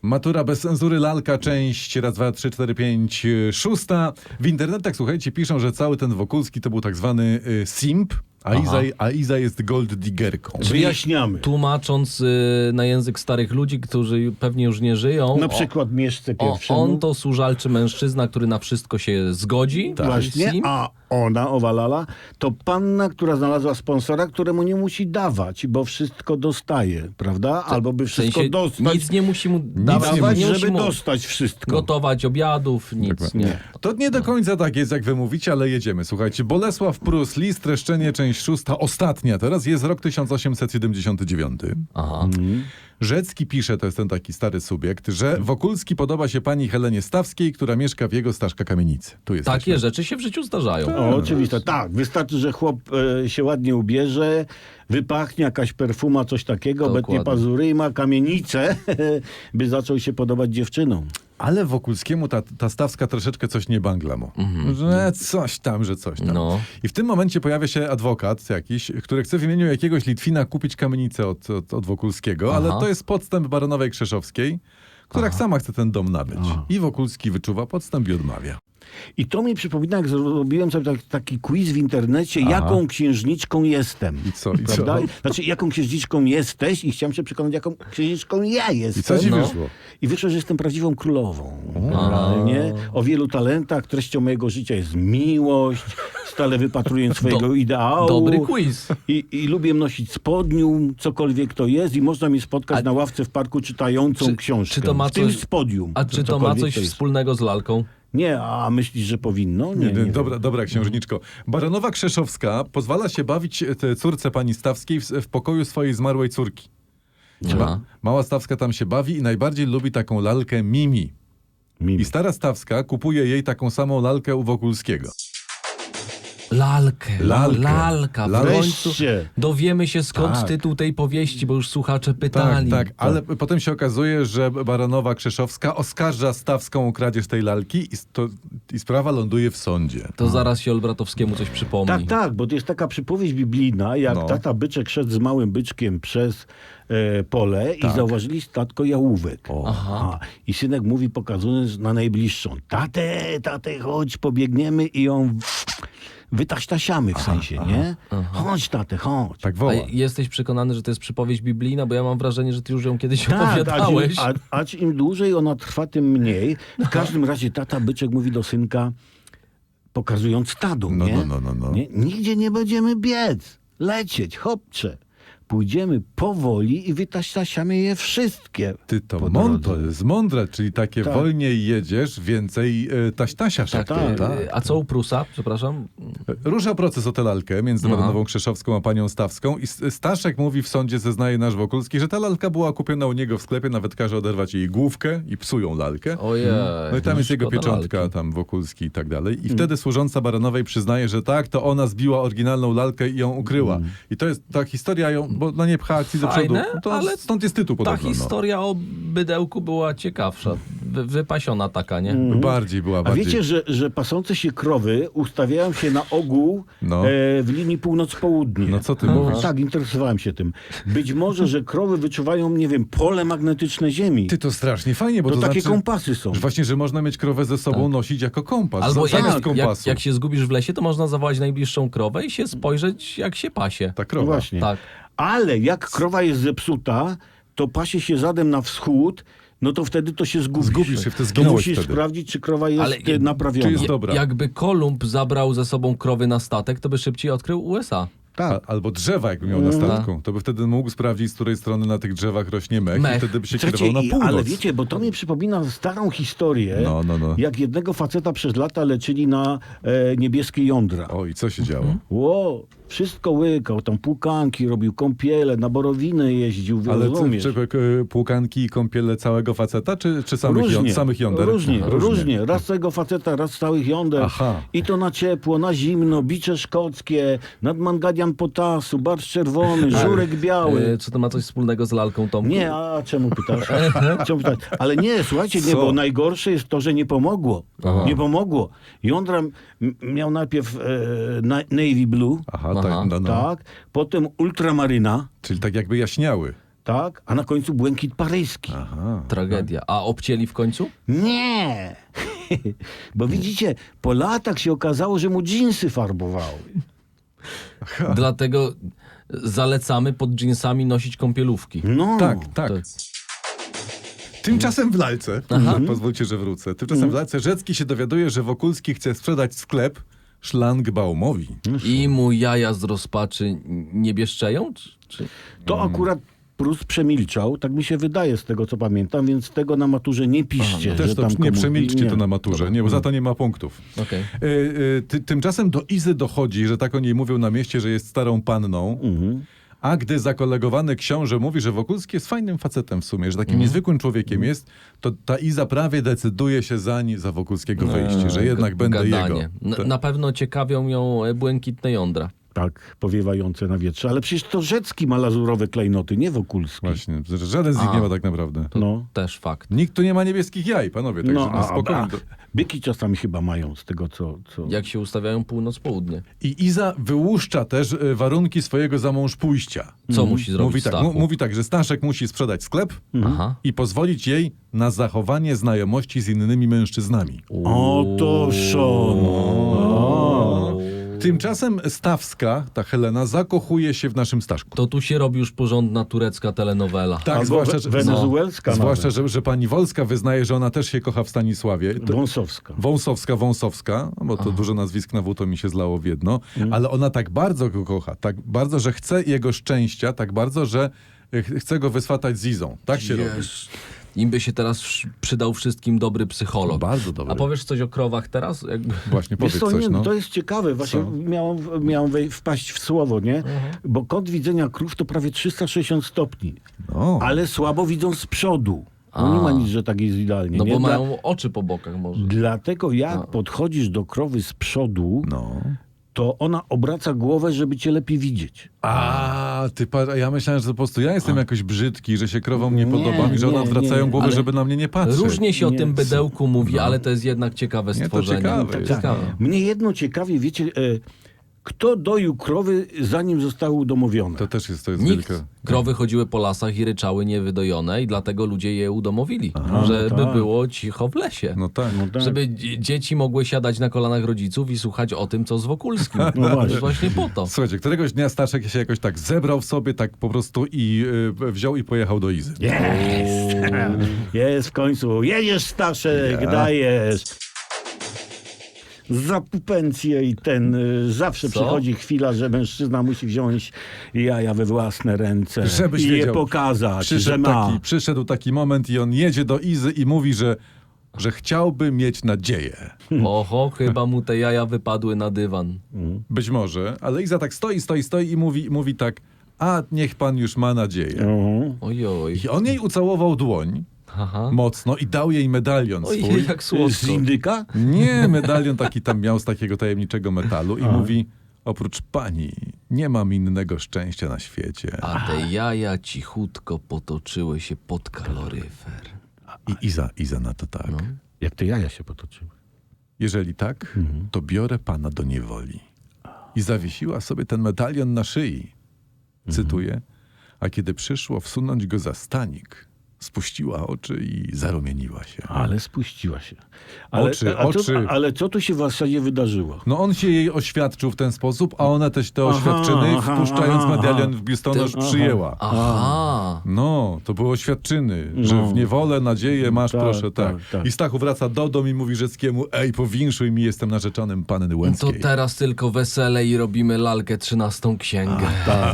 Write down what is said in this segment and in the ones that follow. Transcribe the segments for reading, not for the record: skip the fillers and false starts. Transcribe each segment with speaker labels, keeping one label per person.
Speaker 1: Matura bez cenzury, lalka, część raz, dwa, trzy, cztery, pięć, szósta. W internetach, słuchajcie, piszą, że cały ten Wokulski to był tak zwany simp, a Iza jest gold diggerką.
Speaker 2: Wyjaśniamy.
Speaker 3: Tłumacząc na język starych ludzi, którzy pewnie już nie żyją.
Speaker 2: Na przykład Mieszce pierwszemu.
Speaker 3: On to służalczy mężczyzna, który na wszystko się zgodzi.
Speaker 2: Właśnie,
Speaker 3: Sim.
Speaker 2: a ona, Owalala, to panna, która znalazła sponsora, któremu nie musi dawać, bo wszystko dostaje, prawda? Albo by
Speaker 3: W
Speaker 2: wszystko
Speaker 3: sensie
Speaker 2: dostać,
Speaker 3: nic nie musi mu dawać,
Speaker 2: dawać,
Speaker 3: nie musi
Speaker 2: żeby
Speaker 3: mu
Speaker 2: dostać wszystko.
Speaker 3: gotować obiadów, nic. Nie.
Speaker 1: To nie do końca tak jest, jak wy mówicie, ale jedziemy. Słuchajcie, Bolesław Prus, list, streszczenie, część szósta, ostatnia teraz, jest rok 1879.
Speaker 3: Aha.
Speaker 1: Rzecki pisze, to jest ten taki stary subiekt, że Wokulski podoba się pani Helenie Stawskiej, która mieszka w jego Staszka kamienicy. Tu jest
Speaker 3: Takie rzeczy się w życiu zdarzają.
Speaker 2: O, oczywiście, tak. Wystarczy, że chłop się ładnie ubierze, wypachnie jakaś perfuma, coś takiego,
Speaker 3: Dokładnie.
Speaker 2: obetnie pazury i ma kamienicę, by zaczął się podobać dziewczynom.
Speaker 1: Ale Wokulskiemu ta Stawska troszeczkę coś nie bangla mu. Że coś tam.
Speaker 3: No.
Speaker 1: I w tym momencie pojawia się adwokat jakiś, który chce w imieniu jakiegoś Litwina kupić kamienicę od Wokulskiego, ale to jest podstęp baronowej Krzeszowskiej, która sama chce ten dom nabyć. I Wokulski wyczuwa podstęp i odmawia.
Speaker 2: I to mi przypomina, jak zrobiłem sobie taki quiz w internecie, jaką księżniczką jestem.
Speaker 1: I co?
Speaker 2: Prawda? Znaczy, jaką księżniczką jesteś i chciałem się przekonać, jaką księżniczką ja jestem.
Speaker 1: I co ci wyszło?
Speaker 2: I wyszło, że jestem prawdziwą królową. Generalnie. O wielu talentach. Treścią mojego życia jest miłość. Stale wypatruję swojego ideału.
Speaker 3: Dobry quiz.
Speaker 2: I lubię nosić spodnium, cokolwiek to jest. I można mi spotkać na ławce w parku czytającą książkę.
Speaker 3: czy to ma
Speaker 2: w tym
Speaker 3: coś-
Speaker 2: spodnium.
Speaker 3: A czy to ma
Speaker 2: Cokolwiek
Speaker 3: coś
Speaker 2: jest.
Speaker 3: wspólnego z lalką?
Speaker 2: Nie, a myślisz, że powinno? Nie, nie
Speaker 1: Dobra księżniczko. Baronowa Krzeszowska pozwala się bawić córce pani Stawskiej w pokoju swojej zmarłej córki.
Speaker 3: Aha.
Speaker 1: Mała Stawska tam się bawi i najbardziej lubi taką lalkę Mimi.
Speaker 2: Mimi.
Speaker 1: I stara Stawska kupuje jej taką samą lalkę u Wokulskiego.
Speaker 3: Lalkę.
Speaker 1: Lalkę.
Speaker 3: W końcu
Speaker 2: Wreszcie.
Speaker 3: dowiemy się, skąd
Speaker 1: Tak.
Speaker 3: tytuł tej powieści, bo już słuchacze pytali.
Speaker 1: Tak, ale potem się okazuje, że baronowa Krzeszowska oskarża Stawską o kradzież tej lalki i sprawa ląduje w sądzie.
Speaker 3: To zaraz się Olbratowskiemu coś przypomni.
Speaker 2: Tak, bo to jest taka przypowieść biblijna, jak tata byczek szedł z małym byczkiem przez pole i zauważyli statko jałówek. I synek mówi, pokazując na najbliższą, tatę, chodź, pobiegniemy i ją wytaśtasiamy w sensie, nie? Chodź, tatę, chodź.
Speaker 1: Tak
Speaker 3: A
Speaker 1: woła.
Speaker 3: jesteś przekonany, że to jest przypowieść biblijna? Bo ja mam wrażenie, że ty już ją kiedyś
Speaker 2: Tak,
Speaker 3: opowiadałeś.
Speaker 2: a im dłużej ona trwa, tym mniej. W każdym razie tata byczek mówi do synka, pokazując stado,
Speaker 1: No.
Speaker 2: Nie? Nigdzie nie będziemy biec, lecieć, hopcze. Pójdziemy powoli i wytaśtasiamy je wszystkie.
Speaker 1: Ty to
Speaker 2: po drodze.
Speaker 1: jest mądre, czyli takie
Speaker 2: Tak.
Speaker 1: wolniej jedziesz, więcej taśtasiasz.
Speaker 3: Tak,
Speaker 2: tak.
Speaker 3: A co u Prusa? Przepraszam.
Speaker 1: Rusza proces o tę lalkę między baronową Krzeszowską a panią Stawską i Staszek mówi w sądzie, zeznaje nasz Wokulski, że ta lalka była kupiona u niego w sklepie, nawet każe oderwać jej główkę i psują lalkę.
Speaker 3: Ojej.
Speaker 1: No i tam jest jego
Speaker 3: szkoda
Speaker 1: pieczątka,
Speaker 3: lalki.
Speaker 1: tam Wokulski i tak dalej. I wtedy służąca baronowej przyznaje, że tak, to ona zbiła oryginalną lalkę i ją ukryła. I to jest ta historia, bo no nie pcha akcji do przodu.
Speaker 3: Fajne,
Speaker 1: To
Speaker 3: ale
Speaker 1: stąd jest tytuł
Speaker 3: Ta
Speaker 1: podobno.
Speaker 3: historia o bydełku była ciekawsza. Wypasiona taka, nie?
Speaker 1: Bardziej była,
Speaker 2: A
Speaker 1: bardziej.
Speaker 2: wiecie, że pasące się krowy ustawiają się na ogół w linii północ-południe?
Speaker 1: No co ty mówisz?
Speaker 2: Tak, interesowałem się tym. Być może, że krowy wyczuwają, nie wiem, pole magnetyczne Ziemi.
Speaker 1: Ty to strasznie fajnie, bo
Speaker 2: To
Speaker 1: to
Speaker 2: takie
Speaker 1: znaczy,
Speaker 2: kompasy są.
Speaker 1: że właśnie, że można mieć krowę ze sobą nosić jako kompas.
Speaker 3: Albo
Speaker 1: zamiast
Speaker 3: jak,
Speaker 1: kompasu.
Speaker 3: jak się zgubisz w lesie, to można zawołać najbliższą krowę i się spojrzeć, jak się pasie.
Speaker 1: Ta
Speaker 2: No
Speaker 1: krowa.
Speaker 2: właśnie.
Speaker 3: Tak.
Speaker 2: Ale jak krowa jest zepsuta, to pasie się zadem na wschód, no to wtedy to się zgubisz.
Speaker 1: Zgubisz się, wtedy
Speaker 2: To
Speaker 1: zginąłeś
Speaker 2: musisz
Speaker 1: wtedy.
Speaker 2: sprawdzić, czy krowa jest
Speaker 3: Ale
Speaker 2: naprawiona.
Speaker 1: czy jest dobra.
Speaker 3: Jakby Kolumb zabrał ze sobą krowy na statek, to by szybciej odkrył USA.
Speaker 2: Tak.
Speaker 1: Albo drzewa, jakby miał na statku. To by wtedy mógł sprawdzić, z której strony na tych drzewach rośnie mech.
Speaker 3: Mech.
Speaker 1: I wtedy by się
Speaker 2: Słuchajcie,
Speaker 1: kierował na północ.
Speaker 2: ale wiecie, bo to mi przypomina starą historię,
Speaker 1: No.
Speaker 2: jak jednego faceta przez lata leczyli na niebieskie jądra.
Speaker 1: O, i co się działo?
Speaker 2: Ło, wszystko łykał, tam płukanki robił, kąpiele, na borowiny jeździł,
Speaker 1: Ale
Speaker 2: rozumiesz?
Speaker 1: płukanki i kąpiele całego faceta, czy samych jąder?
Speaker 2: Różnie. Raz całego faceta, raz całych jąder.
Speaker 1: Aha.
Speaker 2: I to na ciepło, na zimno, bicze szkockie, nadmanganian potasu, barszcz czerwony, żurek biały.
Speaker 3: Czy to ma coś wspólnego z lalką, Tomku?
Speaker 2: Nie, a czemu pytasz? Ale nie, słuchajcie, nie,
Speaker 1: Co?
Speaker 2: bo najgorsze jest to, że nie pomogło.
Speaker 1: Aha.
Speaker 2: Nie pomogło. Jądra miał najpierw navy blue,
Speaker 1: Aha,
Speaker 3: Aha.
Speaker 1: tak.
Speaker 2: tak, potem ultramaryna,
Speaker 1: Czyli tak jakby jaśniały.
Speaker 2: tak, a na końcu błękit paryski.
Speaker 1: Aha.
Speaker 3: Tragedia. A obcięli w końcu?
Speaker 2: Nie! Bo widzicie, po latach się okazało, że mu dżinsy farbowały.
Speaker 3: Dlatego zalecamy pod dżinsami nosić kąpielówki.
Speaker 2: No.
Speaker 1: Tak, tak.
Speaker 3: To-
Speaker 1: Tymczasem w lalce, pozwólcie, że wrócę, tymczasem w lalce Rzecki się dowiaduje, że Wokulski chce sprzedać sklep Szlangbaumowi.
Speaker 3: I mu jaja z rozpaczy nie bieszczeją? Czy...
Speaker 2: To akurat Prus przemilczał, tak mi się wydaje z tego, co pamiętam, więc tego na maturze nie piszcie.
Speaker 1: Też
Speaker 2: że
Speaker 1: to
Speaker 2: tam
Speaker 1: nie
Speaker 2: komuś-
Speaker 1: przemilczcie
Speaker 2: nie.
Speaker 1: to na maturze, nie, bo za to nie ma punktów.
Speaker 3: Okej.
Speaker 1: Tymczasem do Izy dochodzi, że tak o niej mówią na mieście, że jest starą panną, a gdy zakolegowany książę mówi, że Wokulski jest fajnym facetem w sumie, że takim niezwykłym człowiekiem jest, to ta Iza prawie decyduje się za Wokulskiego wejście, że jednak będę
Speaker 3: Gadanie.
Speaker 1: jego.
Speaker 3: Na pewno ciekawią ją błękitne jądra.
Speaker 2: Tak, powiewające na wietrze. Ale przecież to Rzecki ma lazurowe klejnoty, nie Wokulski.
Speaker 1: Właśnie, że żaden z nich nie ma tak naprawdę.
Speaker 2: No.
Speaker 3: Też fakt.
Speaker 1: Nikt tu nie ma niebieskich jaj, panowie, także
Speaker 2: No,
Speaker 1: na spokojnie.
Speaker 2: byki czasami chyba mają z tego, co...
Speaker 3: Jak się ustawiają północ-południe.
Speaker 1: I Iza wyłuszcza też warunki swojego zamąż pójścia.
Speaker 3: Co musi zrobić
Speaker 1: Mówi tak,
Speaker 3: Stachu?
Speaker 1: mówi tak, że Staszek musi sprzedać sklep
Speaker 3: Aha.
Speaker 1: i pozwolić jej na zachowanie znajomości z innymi mężczyznami.
Speaker 2: Oto szon.
Speaker 1: Tymczasem Stawska, ta Helena, zakochuje się w naszym Staszku.
Speaker 3: To tu się robi już porządna turecka telenowela.
Speaker 1: Tak,
Speaker 2: Albo
Speaker 1: zwłaszcza, że,
Speaker 2: wenezuelska
Speaker 1: zwłaszcza
Speaker 2: nawet.
Speaker 1: że pani Wolska wyznaje, że ona też się kocha w Stanisławie.
Speaker 2: Wąsowska.
Speaker 1: Wąsowska, bo to dużo nazwisk na W to mi się zlało w jedno, ale ona tak bardzo go kocha, tak bardzo, że chce jego szczęścia, tak bardzo, że chce go wyswatać z Izą. Tak się robi.
Speaker 3: Im by się teraz przydał wszystkim dobry psycholog.
Speaker 1: Bardzo dobry.
Speaker 3: A powiesz coś o krowach teraz? Jakby...
Speaker 1: Właśnie,
Speaker 2: Wiesz
Speaker 1: powiedz
Speaker 2: co,
Speaker 1: coś,
Speaker 2: nie,
Speaker 1: no.
Speaker 2: to jest ciekawe, właśnie miałem wpaść w słowo, nie? Bo kąt widzenia krów to prawie 360 stopni,
Speaker 1: No.
Speaker 2: ale słabo widzą z przodu. No nie ma nic, że tak jest idealnie.
Speaker 3: No
Speaker 2: nie?
Speaker 3: bo mają oczy po bokach może.
Speaker 2: Dlatego jak podchodzisz do krowy z przodu,
Speaker 1: No.
Speaker 2: to ona obraca głowę, żeby cię lepiej widzieć.
Speaker 1: Ja myślałem, że po prostu ja jestem jakoś brzydki, że się krowom nie podoba mi, że one
Speaker 2: nie,
Speaker 1: odwracają
Speaker 2: nie,
Speaker 1: głowę,
Speaker 3: ale
Speaker 1: żeby na mnie nie patrzeć.
Speaker 3: Różnie się o
Speaker 2: Nie,
Speaker 3: tym bydełku mówi, ale to jest jednak ciekawe
Speaker 1: Nie, to
Speaker 3: stworzenie.
Speaker 1: ciekawe jest.
Speaker 3: Ciekawe.
Speaker 2: Mnie jedno ciekawie, wiecie, kto doił krowy, zanim zostały udomowione?
Speaker 1: To też jest
Speaker 3: Nikt.
Speaker 1: wielka...
Speaker 3: Krowy chodziły po lasach i ryczały niewydojone i dlatego ludzie je udomowili. Żeby
Speaker 2: tak.
Speaker 3: było cicho w lesie.
Speaker 1: No tak.
Speaker 2: No tak.
Speaker 3: Żeby dzieci mogły siadać na kolanach rodziców i słuchać o tym, co z Wokulskim.
Speaker 2: No właśnie.
Speaker 3: Właśnie po to.
Speaker 1: Słuchajcie, któregoś dnia Staszek się jakoś tak zebrał w sobie, tak po prostu i wziął i pojechał do Izy.
Speaker 2: Jest! Jest w końcu. Jedziesz, Staszek, dajesz. Za pupencję i zawsze
Speaker 3: Co?
Speaker 2: przychodzi chwila, że mężczyzna musi wziąć jaja we własne ręce
Speaker 1: Żebyś
Speaker 2: i je
Speaker 1: wiedział,
Speaker 2: pokazać, że ma.
Speaker 1: Przyszedł taki moment i on jedzie do Izy i mówi, że chciałby mieć nadzieję.
Speaker 3: Oho, chyba mu te jaja wypadły na dywan.
Speaker 1: Być może, ale Iza tak stoi i mówi tak, a niech pan już ma nadzieję.
Speaker 3: Ojoj.
Speaker 1: I on jej ucałował dłoń
Speaker 3: Aha.
Speaker 1: mocno i dał jej medalion swój.
Speaker 3: Ojej, jak
Speaker 2: Z
Speaker 3: słodko.
Speaker 2: indyka?
Speaker 1: Nie, medalion taki tam miał z takiego tajemniczego metalu i mówi, oprócz pani nie mam innego szczęścia na świecie.
Speaker 3: A te jaja cichutko potoczyły się pod kaloryfer.
Speaker 1: I Iza na to tak.
Speaker 2: Jak te jaja się potoczyły.
Speaker 1: Jeżeli tak, to biorę pana do niewoli. I zawiesiła sobie ten medalion na szyi. Cytuję. A kiedy przyszło wsunąć go za stanik, spuściła oczy i zarumieniła się.
Speaker 2: Ale spuściła się.
Speaker 1: Oczy.
Speaker 2: Ale co tu się w zasadzie wydarzyło?
Speaker 1: No on się jej oświadczył w ten sposób, a ona też te oświadczyny, wpuszczając medalion w biustonosz, przyjęła.
Speaker 3: Aha.
Speaker 1: No, to były oświadczyny, że w niewolę nadzieję masz,
Speaker 2: Tak,
Speaker 1: proszę, tak.
Speaker 2: tak.
Speaker 1: I Stachu wraca do domu i mówi Rzeckiemu, ej, powinszuj mi, jestem narzeczonym panny
Speaker 3: To
Speaker 1: Łęckiej.
Speaker 3: teraz tylko wesele i robimy lalkę 13 księgę.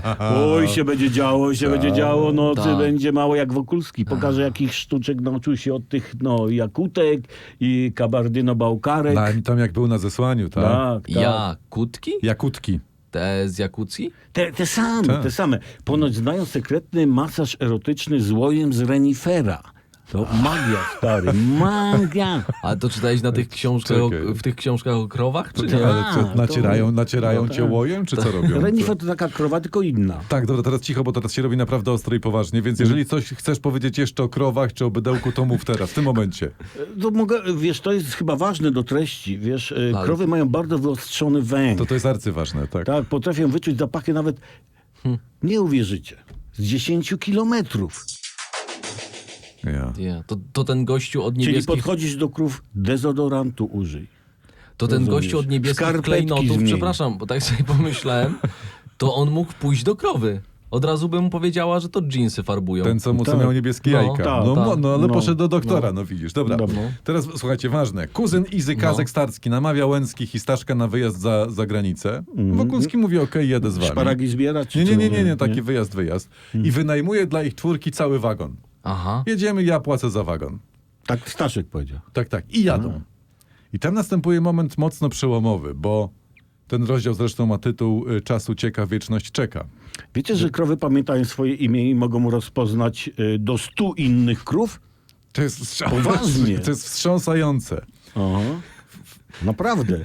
Speaker 2: Oj, się będzie działo, nocy
Speaker 3: Tak.
Speaker 2: będzie mało jak Wokulski. Pokaże, jakich sztuczek nauczył się od tych, jakutek i kabardyno-bałkarek.
Speaker 1: Tam jak był na zesłaniu, tak?
Speaker 2: Tak.
Speaker 3: Jakutki?
Speaker 1: Jakutki.
Speaker 3: Te z Jakucji?
Speaker 2: Te same,
Speaker 1: Tak.
Speaker 2: te same. Ponoć znają sekretny masaż erotyczny z łojem z renifera. To magia, stary, magia.
Speaker 3: Ale to czytałeś na tych książkach
Speaker 1: Czekaj.
Speaker 3: w tych książkach o krowach, czy nie?
Speaker 1: Ale co,
Speaker 2: to-
Speaker 1: nacierają cię łojem, czy co robią?
Speaker 2: Renifer to taka krowa, tylko inna.
Speaker 1: Tak, dobra, teraz cicho, bo teraz się robi naprawdę ostro i poważnie, więc jeżeli coś chcesz powiedzieć jeszcze o krowach czy o bydełku, to mów teraz, w tym momencie.
Speaker 2: To mogę, wiesz, to jest chyba ważne do treści, wiesz, krowy mają bardzo wyostrzony węch.
Speaker 1: To jest arcyważne, tak.
Speaker 2: Tak, potrafią wyczuć zapachy nawet, nie uwierzycie. z 10 kilometrów.
Speaker 1: Ja.
Speaker 3: To ten gościu od
Speaker 2: Czyli
Speaker 3: niebieskich...
Speaker 2: podchodzisz do krów, dezodorantu użyj.
Speaker 3: To ten
Speaker 2: rozumiesz.
Speaker 3: gościu od niebieskich
Speaker 2: Skarpetki
Speaker 3: klejnotów,
Speaker 2: zmień.
Speaker 3: przepraszam, bo tak sobie pomyślałem, to on mógł pójść do krowy. Od razu bym mu powiedziała, że to dżinsy farbują.
Speaker 1: Ten, co
Speaker 2: Tak.
Speaker 1: miał niebieskie
Speaker 3: No,
Speaker 1: jajka.
Speaker 2: tak,
Speaker 1: Ale
Speaker 2: no.
Speaker 1: poszedł do doktora, no widzisz. Dobra.
Speaker 2: Dobra.
Speaker 1: Teraz słuchajcie, ważne. Kuzyn Izy Kazek Starski namawia Łęckich i Staszka na wyjazd za granicę. Wokulski mówi, okej, jedę z wami.
Speaker 2: Szparagi zbierać? czy
Speaker 1: Nie,
Speaker 2: co?
Speaker 1: taki wyjazd. I wynajmuje dla ich czwórki cały wagon.
Speaker 3: Aha.
Speaker 1: Jedziemy, ja płacę za wagon.
Speaker 2: Tak Staszek powiedział.
Speaker 1: Tak. I jadą. I tam następuje moment mocno przełomowy, bo ten rozdział zresztą ma tytuł Czas ucieka, wieczność czeka.
Speaker 2: Wiecie, że krowy pamiętają swoje imię i mogą rozpoznać do 100 innych krów?
Speaker 1: To jest
Speaker 2: Poważnie.
Speaker 1: To jest wstrząsające.
Speaker 2: Aha. Naprawdę.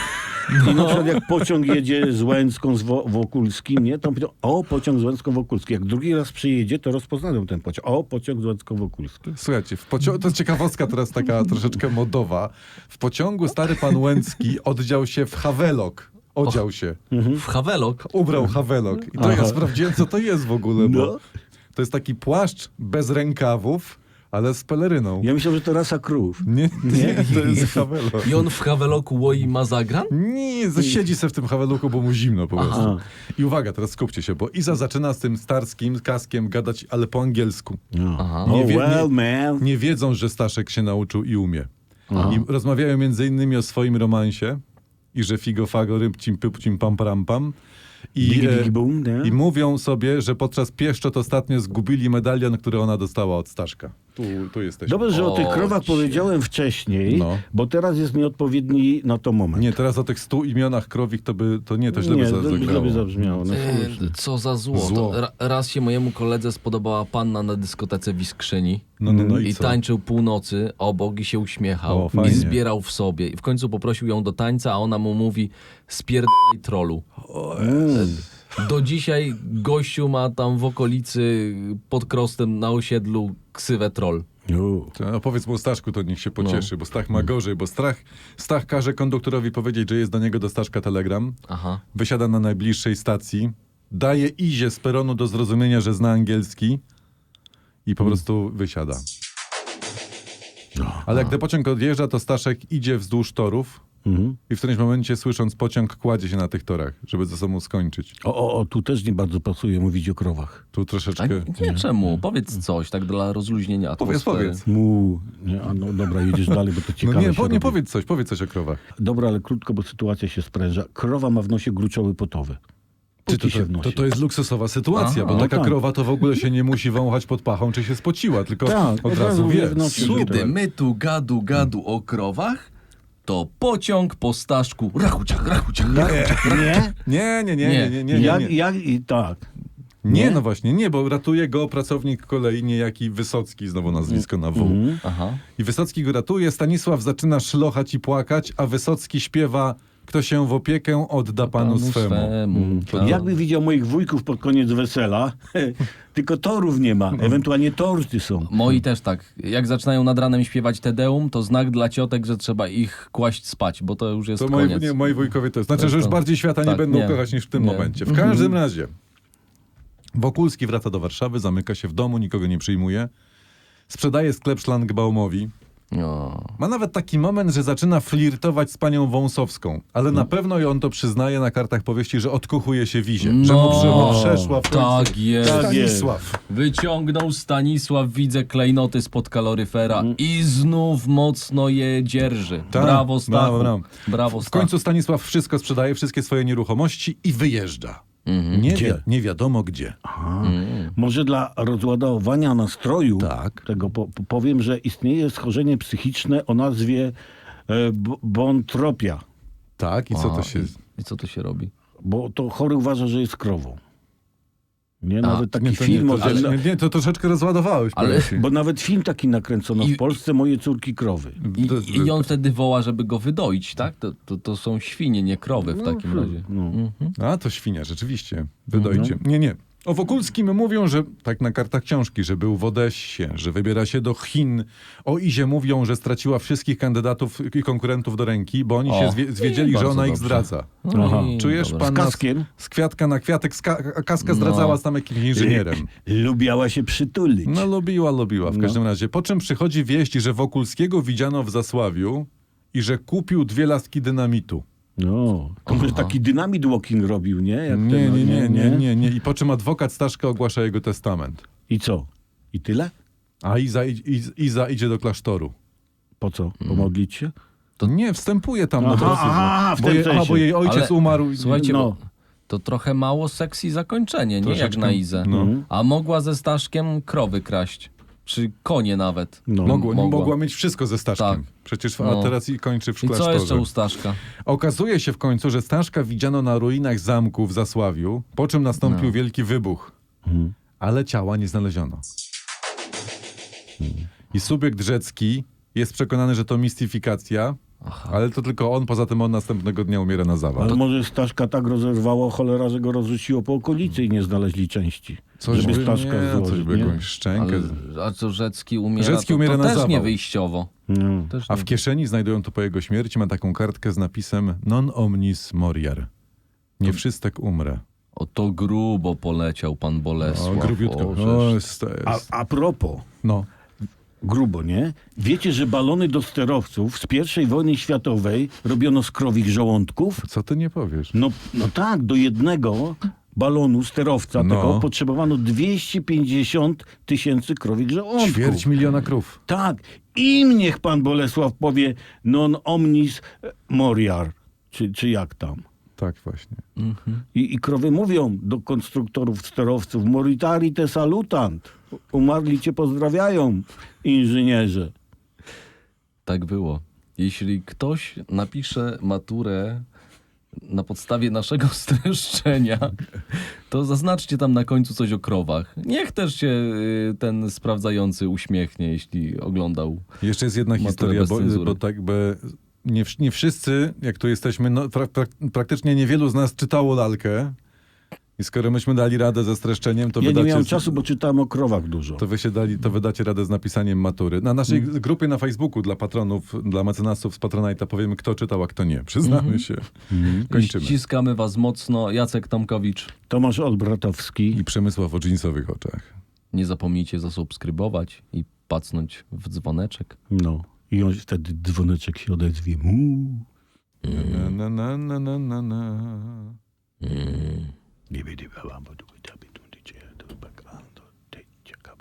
Speaker 2: I na przykład jak pociąg jedzie z Łęcką, z Wokulskim, nie? To mówią, o, pociąg z Łęcką, Wokulski. Jak drugi raz przyjedzie, to rozpoznają ten pociąg. O, pociąg z Łęcką, Wokulski.
Speaker 1: Słuchajcie, to jest ciekawostka teraz taka troszeczkę modowa. W pociągu stary pan Łęcki odział się w hawelok. Odział się.
Speaker 3: W Hawelok.
Speaker 1: Ubrał hawelok. I to ja sprawdziłem, co to jest w ogóle, bo
Speaker 2: No.
Speaker 1: to jest taki płaszcz bez rękawów, ale z peleryną.
Speaker 2: Ja myślałem, że to rasa krów.
Speaker 1: Nie, to jest hawelok.
Speaker 3: I on w Haweloku łoi mazagran?
Speaker 1: Nie, siedzi se w tym haweluku, bo mu zimno po prostu.
Speaker 2: Aha.
Speaker 1: I uwaga, teraz skupcie się, bo Iza zaczyna z tym Starskim kaskiem gadać, ale po angielsku.
Speaker 2: No.
Speaker 3: Aha.
Speaker 1: Nie
Speaker 2: Oh,
Speaker 1: wie-
Speaker 2: well,
Speaker 1: nie-
Speaker 2: man.
Speaker 1: Nie wiedzą, że Staszek się nauczył i umie. I rozmawiają między innymi o swoim romansie i że figo fago rybcim pypcim pam pam pam.
Speaker 2: Digi, digi, boom, nie?
Speaker 1: I mówią sobie, że podczas pieszczot ostatnio zgubili medalion, który ona dostała od Staszka. Tu jesteśmy.
Speaker 2: Dobrze, że o tych
Speaker 3: O,
Speaker 2: krowach
Speaker 3: cię.
Speaker 2: powiedziałem wcześniej,
Speaker 1: No.
Speaker 2: bo teraz jest nieodpowiedni na to moment.
Speaker 1: Nie, teraz o tych 100 imionach krowich to źle by
Speaker 2: Nie,
Speaker 1: zagrało.
Speaker 2: źle by zabrzmiało. No,
Speaker 3: Co za zło.
Speaker 1: Zło.
Speaker 3: Raz się mojemu koledze spodobała panna na dyskotece w Iskrzyni.
Speaker 1: No
Speaker 3: I
Speaker 1: co?
Speaker 3: tańczył północy obok i się uśmiechał.
Speaker 1: O, fajnie.
Speaker 3: I zbierał w sobie. I w końcu poprosił ją do tańca, a ona mu mówi: spierdalaj trolu. Do dzisiaj gościu ma tam w okolicy pod Krostem na osiedlu ksywę troll.
Speaker 1: To powiedz mu Staszku, to niech się pocieszy, bo Stach ma gorzej, bo Stach każe konduktorowi powiedzieć, że jest do niego do Staszka telegram,
Speaker 3: Aha.
Speaker 1: wysiada na najbliższej stacji, daje Izie z peronu do zrozumienia, że zna angielski i po prostu wysiada. Ale jak ten pociąg odjeżdża, to Staszek idzie wzdłuż torów i w którymś momencie, słysząc pociąg, kładzie się na tych torach, żeby ze sobą skończyć.
Speaker 2: Tu też nie bardzo pasuje mówić o krowach.
Speaker 1: Tu
Speaker 3: A
Speaker 1: troszeczkę...
Speaker 3: nie, czemu? Powiedz coś, tak dla rozluźnienia
Speaker 1: Powiedz.
Speaker 3: atmosfery.
Speaker 2: Nie, no dobra, jedziesz dalej, bo to
Speaker 1: No
Speaker 2: ciekawe
Speaker 1: nie,
Speaker 2: się
Speaker 1: nie
Speaker 2: robi.
Speaker 1: powiedz coś o krowach.
Speaker 2: Dobra, ale krótko, bo sytuacja się spręża. Krowa ma w nosie gruczoły potowe. Póki się wnosi.
Speaker 1: To jest luksusowa sytuacja,
Speaker 3: Aha.
Speaker 1: bo taka
Speaker 2: tak.
Speaker 1: krowa to w ogóle się nie musi wąchać pod pachą, czy się spociła, tylko
Speaker 2: Tak,
Speaker 1: od razu wie.
Speaker 2: w nocy.
Speaker 3: Kiedy my tu gadu o krowach, to pociąg po Staszku. Rachuciak.
Speaker 2: Nie?
Speaker 1: Nie.
Speaker 2: Tak.
Speaker 1: Nie, no właśnie, nie, bo ratuje go pracownik kolei, niejaki Wysocki, znowu nazwisko na W.
Speaker 3: Aha.
Speaker 1: I Wysocki go ratuje, Stanisław zaczyna szlochać i płakać, a Wysocki śpiewa: kto się w opiekę odda panu swemu.
Speaker 3: Tak.
Speaker 2: Jakby widział moich wujków pod koniec wesela, tylko torów nie ma, ewentualnie torty są.
Speaker 3: Moi też tak. Jak zaczynają nad ranem śpiewać Te Deum, to znak dla ciotek, że trzeba ich kłaść spać, bo to już jest
Speaker 1: To
Speaker 3: koniec.
Speaker 1: moi wujkowie to jest. Znaczy, że już bardziej świata nie
Speaker 3: Tak,
Speaker 1: będą
Speaker 3: nie.
Speaker 1: kochać niż w tym
Speaker 3: Nie.
Speaker 1: momencie. W każdym razie Wokulski wraca do Warszawy, zamyka się w domu, nikogo nie przyjmuje. Sprzedaje sklep Szlangbaumowi.
Speaker 3: O.
Speaker 1: Ma nawet taki moment, że zaczyna flirtować z panią Wąsowską, ale na pewno i on to przyznaje na kartach powieści, że odkuchuje się Wizie. Że mu przeszła w końcu.
Speaker 3: Tak jest.
Speaker 2: Tak jest.
Speaker 1: Stanisław.
Speaker 3: Wyciągnął Stanisław, widzę klejnoty spod kaloryfera i znów mocno je dzierży.
Speaker 1: Tak,
Speaker 3: Brawo, Stachu.
Speaker 1: brawo.
Speaker 3: Brawo,
Speaker 1: W
Speaker 3: Stachu.
Speaker 1: końcu Stanisław wszystko sprzedaje, wszystkie swoje nieruchomości i wyjeżdża.
Speaker 2: Gdzie?
Speaker 1: Nie wiadomo gdzie.
Speaker 2: Może dla rozładowania nastroju
Speaker 1: Tak.
Speaker 2: tego powiem, że istnieje schorzenie psychiczne o nazwie bontropia,
Speaker 1: Tak, i co to się...
Speaker 3: I co to się robi?
Speaker 2: bo to chory uważa, że jest krową. Nie, nawet taki
Speaker 1: to
Speaker 2: film o
Speaker 1: nie,
Speaker 2: tym,
Speaker 1: to troszeczkę rozładowałeś.
Speaker 3: Ale-
Speaker 1: powiem ci.
Speaker 2: bo nawet film taki nakręcono
Speaker 3: I-
Speaker 2: w Polsce, Moje córki krowy.
Speaker 3: I on wtedy woła, żeby go wydoić, tak? To są świnie, nie krowy w takim razie.
Speaker 2: No.
Speaker 1: A, to świnia, rzeczywiście. Wydojcie. Nie. O Wokulskim mówią, że tak na kartach książki, że był w Odessie, że wybiera się do Chin. O Izie mówią, że straciła wszystkich kandydatów i konkurentów do ręki, bo oni się zwiedzieli, że
Speaker 3: bardzo
Speaker 1: ona ich
Speaker 3: dobrze.
Speaker 1: zdradza.
Speaker 2: Aha.
Speaker 1: Czujesz,
Speaker 3: dobra.
Speaker 1: pan
Speaker 2: Z kaskiem?
Speaker 1: z kwiatka na kwiatek, Kaska zdradzała z tam jakimś inżynierem.
Speaker 2: Lubiała się przytulić.
Speaker 1: No lubiła w każdym razie. Po czym przychodzi wieść, że Wokulskiego widziano w Zasławiu i że kupił 2 laski dynamitu.
Speaker 2: No, to może taki dynamit walking robił, nie? Jak
Speaker 1: Nie. I po czym adwokat Staszka ogłasza jego testament.
Speaker 2: I co? I tyle?
Speaker 1: A Iza idzie do klasztoru.
Speaker 2: Po co? Pomodlić się?
Speaker 1: To nie, wstępuje tam.
Speaker 2: Aha, w tym sensie.
Speaker 1: bo jej ojciec
Speaker 3: Ale
Speaker 1: umarł.
Speaker 3: Słuchajcie,
Speaker 2: No.
Speaker 3: bo to trochę mało sexy zakończenie, nie jak
Speaker 1: Troszeczkę,
Speaker 3: na Izę.
Speaker 1: no.
Speaker 3: A mogła ze Staszkiem krowy kraść. Czy konie nawet.
Speaker 2: No.
Speaker 1: Mogła mieć wszystko ze Staszkiem.
Speaker 3: Tak.
Speaker 1: Przecież
Speaker 3: No.
Speaker 1: a teraz i kończy w
Speaker 3: I
Speaker 1: klasztorze.
Speaker 3: co jeszcze u Staszka?
Speaker 1: Okazuje się w końcu, że Staszka widziano na ruinach zamku w Zasławiu, po czym nastąpił wielki wybuch. Ale ciała nie znaleziono. I subiekt Rzecki jest przekonany, że to mistyfikacja, ale to tylko on, poza tym on następnego dnia umiera na zawał.
Speaker 2: Ale może Staszka tak rozerwało cholera, że go rozrzuciło po okolicy i nie znaleźli części. Żeby Staszka
Speaker 1: coś
Speaker 2: złożyć,
Speaker 1: by
Speaker 2: nie?
Speaker 1: jakąś szczękę.
Speaker 3: A co Rzecki umiera?
Speaker 1: Rzecki
Speaker 3: to,
Speaker 1: umiera
Speaker 3: to
Speaker 1: na
Speaker 3: też
Speaker 1: zawał.
Speaker 3: nie wyjściowo.
Speaker 2: No.
Speaker 3: Też
Speaker 1: A
Speaker 3: nie.
Speaker 1: w kieszeni znajdują to po jego śmierci, ma taką kartkę z napisem non omnis moriar. Nie wszystek umrę.
Speaker 3: O, to grubo poleciał pan Bolesław.
Speaker 1: Grubiutko.
Speaker 3: O, żeż.
Speaker 1: O, jest.
Speaker 2: A propos,
Speaker 1: No.
Speaker 2: grubo, nie? Wiecie, że balony do sterowców z I wojny światowej robiono z krowich żołądków?
Speaker 1: Co ty nie powiesz?
Speaker 2: No tak, do jednego balonu sterowca
Speaker 1: No.
Speaker 2: tego potrzebowano 250 000 krowich żołądków.
Speaker 1: 250 000 krów.
Speaker 2: Tak. Im niech pan Bolesław powie non omnis moriar. Czy jak tam?
Speaker 1: Tak właśnie.
Speaker 2: I krowy mówią do konstruktorów sterowców moritari te salutant. Umarli cię pozdrawiają, inżynierze.
Speaker 3: Tak było. Jeśli ktoś napisze maturę na podstawie naszego streszczenia, to zaznaczcie tam na końcu coś o krowach. Niech też się ten sprawdzający uśmiechnie, jeśli oglądał.
Speaker 1: Jeszcze jest jedna
Speaker 3: Maturę
Speaker 1: historia,
Speaker 3: bez
Speaker 1: bo
Speaker 3: cenzury.
Speaker 1: tak by nie wszyscy, jak tu jesteśmy, no, praktycznie niewielu z nas czytało lalkę. I skoro myśmy dali radę ze streszczeniem, to
Speaker 2: Ja nie
Speaker 1: wydacie...
Speaker 2: miałem czasu, bo czytałem o krowach dużo.
Speaker 1: To wydacie radę z napisaniem matury. Na naszej grupie na Facebooku dla patronów, dla mecenasów z Patronite'a powiemy, kto czytał, a kto nie. Przyznamy się. Kończymy.
Speaker 3: Ściskamy was mocno. Jacek Tomkowicz.
Speaker 2: Tomasz Olbratowski.
Speaker 1: I Przemysław o dżinsowych oczach.
Speaker 3: Nie zapomnijcie zasubskrybować i pacnąć w dzwoneczek.
Speaker 2: No. I on wtedy dzwoneczek się odezwie.
Speaker 1: Na.
Speaker 2: Nie będzie